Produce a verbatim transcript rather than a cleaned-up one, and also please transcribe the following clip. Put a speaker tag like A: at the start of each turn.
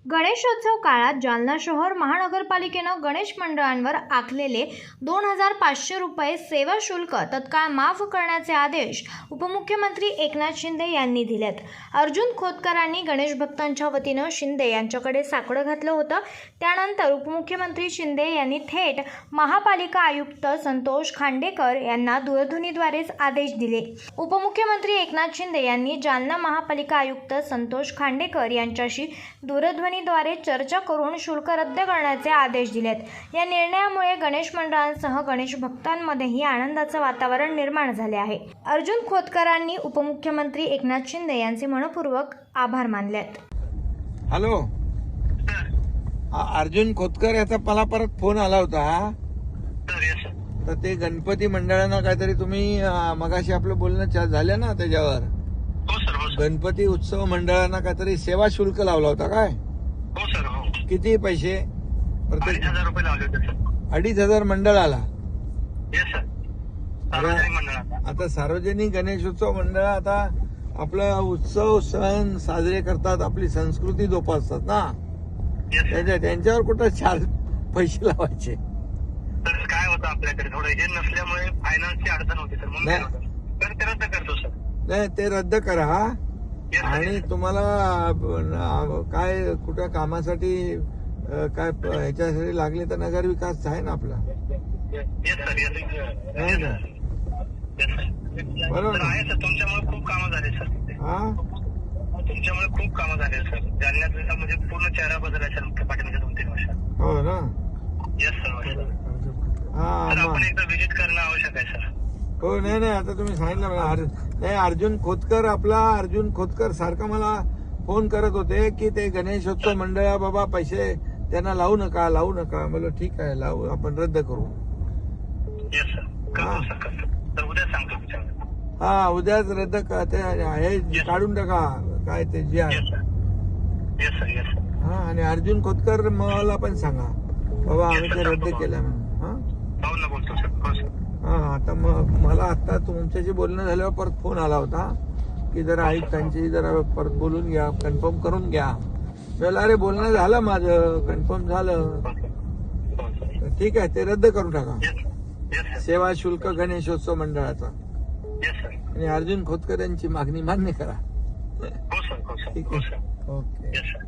A: गणेशोत्सव काळात जालना शहर महानगरपालिकेनं गणेश मंडळांवर आखलेले दोन हजार पाचशे रुपये सेवा शुल्क तत्काळ माफ करण्याचे आदेश उपमुख्यमंत्री एकनाथ शिंदे यांनी दिलेत. अर्जुन खोतकरांनी गणेश भक्तांच्या वतीनं शिंदे यांच्याकडे साकडं घातलं होतं. त्यानंतर उपमुख्यमंत्री शिंदे यांनी थेट महापालिका आयुक्त संतोष खांडेकर यांना दूरध्वनीद्वारेच आदेश दिले. उपमुख्यमंत्री एकनाथ शिंदे यांनी जालना महापालिका आयुक्त संतोष खांडेकर यांच्याशी दूरध्वनी द्वारे चर्चा करून शुल्क रद्द करण्याचे आदेश दिलेत. या निर्णयामुळे गणेश मंडळांसह गणेश भक्तांमध्येही आनंदाचं वातावरण निर्माण झाले आहे. अर्जुन खोतकरांनी उपमुख्यमंत्री एकनाथ शिंदे यांचे मनपूर्वक आभार मानलेत.
B: हॅलो, अर्जुन खोतकर याचा मला परत फोन आला होता. तर ते गणपती मंडळांना काहीतरी तुम्ही मगाशी आपलं बोलणं झालं ना त्याच्यावर, गणपती उत्सव मंडळांना काहीतरी सेवा शुल्क लावला होता काय?
C: हो सर. हो.
B: किती पैसे?
C: प्रत्येक हजार रुपये लावले होते सर.
B: अडीच हजार मंडळाला.
C: Yes sir. सार्वजनिक मंडळाला.
B: आता सार्वजनिक गणेशोत्सव मंडळ आता आपला उत्सव सण साजरे करतात, आपली संस्कृती जोपासतात ना. त्यांच्या त्यांच्यावर कुठं चार पैसे लावायचे?
C: तर काय होतं आपल्याकडे थोडं हे नसल्यामुळे फायनान्सची अडचण होती सर. म्हणून तर ते रद्द करतो सर.
B: नाही, ते रद्द करा. आणि तुम्हाला काय कुठं कामासाठी काय ह्याच्यासाठी लागले तर नगर विकास आहे ना आपला. बरोबर
C: आहे सर. तुमच्यामुळे खूप कामं झाले सर.
B: हा,
C: तुमच्यामुळे खूप कामं झाले सर. जालन्यात म्हणजे पूर्ण चेहरा बदलला सर मुख्य पाठीमागच्या दोन तीन वर्षात.
B: हो ना.
C: Yes sir.
B: हा,
C: आपण एकदा व्हिजिट करणं आवश्यक आहे सर.
B: हो. नाही नाही, आता तुम्ही सांगितलं मला. नाही, अर्जुन खोतकर आपला अर्जुन खोतकर सारखा मला फोन करत होते की ते गणेशोत्सव मंडळा बाबा पैसे त्यांना लावू नका लावू नका. म्हणलं ठीक आहे, लावू, आपण रद्द करू.
C: Yes sir. करतो सर, करतो. तर उद्या सांगतो तुमच्याकडे.
B: हा, उद्याच रद्द का ते हे काढून टाका काय ते जे आहे.
C: Yes sir. Yes sir.
B: हा, आणि अर्जुन खोतकर मला पण सांगा बाबा आम्ही ते रद्द केलं म्हणून. हा,
C: पाहून ना बोलतो सर. हो सर.
B: हा, आता मग मला आता तुमच्याशी बोलणं झाल्यावर परत फोन आला होता की जरा आयुक्तांची जरा परत बोलून घ्या, कन्फर्म करून घ्या. मला अरे बोलणं झालं माझं, कन्फर्म झालं. ठीक आहे, ते रद्द करून टाका सेवा शुल्क गणेशोत्सव मंडळाचा. आणि अर्जुन खोतकर यांची मागणी मान्य करा.
C: हो सर. हो सर.
B: ठीक आहे. ओके.